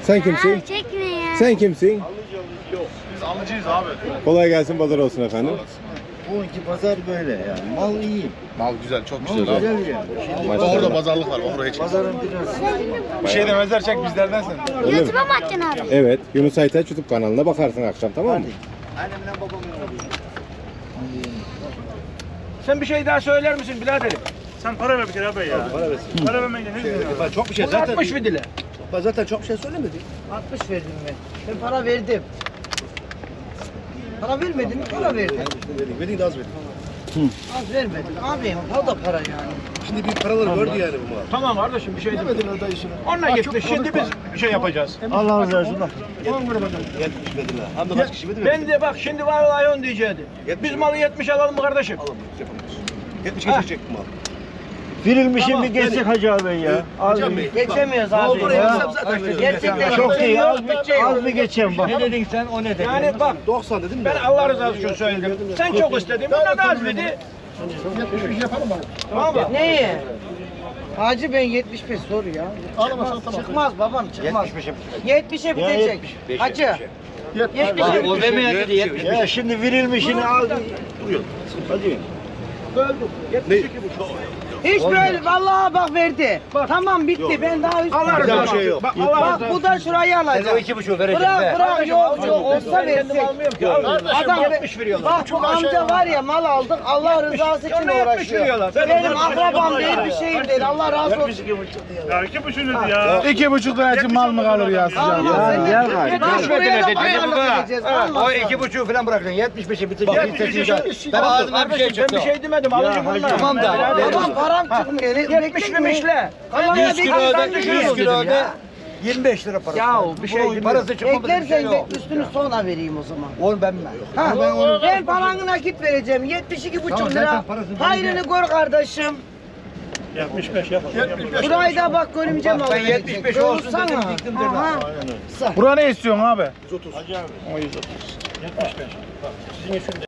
Sen kimsin? Çekme ya. Sen kimsin? Biz alıcıyız abi. Kolay gelsin, pazar olsun efendim. Bugünkü pazar böyle yani. Mal iyi. Mal güzel, çok Mal güzel abi. güzel yani. Şimdi Maşallah. Orada pazarlık var, oraya çek. pazarın biraz Bir şey demezler, çek bizlerden sen. Öyle mi? YouTube'a mı atacaksın abi? Evet, Yunus Aytaç YouTube kanalına bakarsın akşam, tamam mı? annemle babamla Sen bir şey daha söyler misin biraderim? Sen para ver bir kere abi ya. para versin. Para vermeyle ne diyorsun? Çok bir şey Zaten 60 mı dile? Zaten çok bir şey söylemedi. 60 verdim ben. Ben para verdim. Para vermedin mi? Para verdim. Verdik de az verdik. Az vermedim. Abi o da para yani. Şimdi bir paraları gördü yani bu mal. Tamam kardeşim bir şey değil. Demedin orada işini. Onunla gitti. Şimdi biz bir şey yapacağız. Allah razı olsun bak. 70 verdiler. Hem de kaç kişi verdi? Ben de bak şimdi vallahi on diyecekti. Biz malı 70 alalım mı kardeşim? Alamayız, yapamayız. 70 geçecek bu mal. Verilmişim bir geçsek Hacı abi ya. Hocam Bey. Geçemiyoruz abi. Oldu ya. Zaten Gerçekten Çok iyi. Az, bütçe yok. az bir geçeyim bak. Ne dedin sen o ne dedin? Yani bak 90 dedim mi? ben Allah rızası için söyledim. Sen çok istedin. Buna da az dedi. Tamam mı? Neyi? Hacı ben 75 soru ya. Çıkmaz babam çıkmaz. 70'e bitecek. Hacı. 70'e O demeye dedi 70. Ya şimdi verilmişini al. Hadi. Hiç böyle vallahi bak verdi. Tamam bitti. Ben daha üst. Allah rızası şey için. yok. Bak Allah Bak rızası bu da şurayı alacak. 2,5 vereceğim be. Bırak yok olsa Kendim versek. almıyorum ki. Adam 70 veriyorlar. Bak bu amca var ya mal aldık Allah rızası için Sonra 70 uğraşıyor. veriyorlar. Benim akrabam değil bir şeyim değil Allah razı olsun. Ya 2,5 ya. 2,5 lira için mal mı kalır ya Alma sen de. gel gari. Bak şuraya da pazarlık edeceğiz. Alma O sen. 2,5 falan bırakacaksın. 75'e bitecek. Ben ağzımdan bir şey çıktı. Ben bir şey demedim. Alıcı bunlar. Tamam da. Babam param çıkmıyor. 70 mimişle. 100 kilo öde, 100 kilo öde. 25 lira para. Ya bir şey değil. Parası çıkmadı bir şey Eklersen de yok. üstünü sonra vereyim o zaman. Onu ben mi? Ha, ben paranı nakit vereceğim. 72,5 lira. Hayrını gör kardeşim. 75 yap. Burayı da bak görümcem Bak, aldı. ben 75 olsun dedim, diktim dedim. Aha. Bura ne istiyorsun abi? 130.